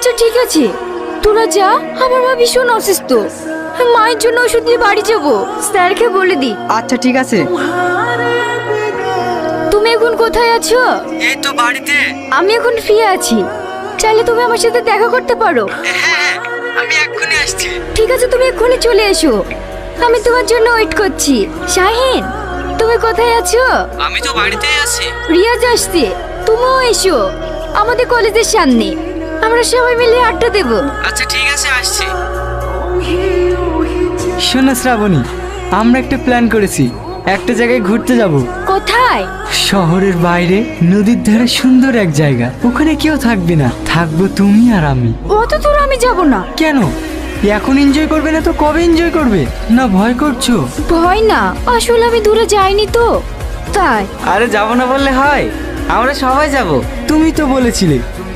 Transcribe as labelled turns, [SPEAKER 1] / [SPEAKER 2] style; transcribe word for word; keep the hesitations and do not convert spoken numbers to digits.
[SPEAKER 1] আচ্ছা ঠিক আছে, তোরা যা। আমার মা ভীষণ অসুস্থ, মায়ের জন্য ওষুধ দিয়ে বাড়ি যাবো। স্যারকে বলে দি।
[SPEAKER 2] আচ্ছা ঠিক আছে।
[SPEAKER 1] তুমি এখন কোথায় আছো?
[SPEAKER 3] এই তো বাড়িতে।
[SPEAKER 1] আমি এখন ফ্রি আছি, চাইলে তুমি আমার সাথে দেখা করতে পারো।
[SPEAKER 3] হ্যাঁ, আমি এক্ষুনি আসছি।
[SPEAKER 1] ঠিক আছে, তুমি এক্ষুনি চলে এসো, আমি তোমার জন্য ওয়েট করছি। শাহিন, তুমি কোথায় আছো?
[SPEAKER 3] আমি তো বাড়িতেই আছি।
[SPEAKER 1] রিয়াজ আসছে, তুমিও এসো আমাদের কলেজের সামনে, আমরা সবাই মিলে আড্ডা দেবো।
[SPEAKER 3] আচ্ছা ঠিক আছে, আসছি।
[SPEAKER 2] শোনো শ্রাবণী, আমরা একটা প্ল্যান করেছি, একটা জায়গায় ঘুরতে যাব।
[SPEAKER 1] কোথায়?
[SPEAKER 2] শহরের বাইরে নদীর ধারে সুন্দর এক জায়গা, ওখানে কেউ থাকবে না, থাকবো তুমি আর আমি।
[SPEAKER 1] অত দূর আমি যাব না।
[SPEAKER 2] কেন? এখন এনজয় করবে না তো কবে এনজয় করবে? না ভয় করছো?
[SPEAKER 1] ভয় না, আসলে আমি দূরে যাইনি তো তাই।
[SPEAKER 3] আরে যাবো না বললে হয়, আমরা সবাই যাব।
[SPEAKER 2] তুমি তো বলেছিলে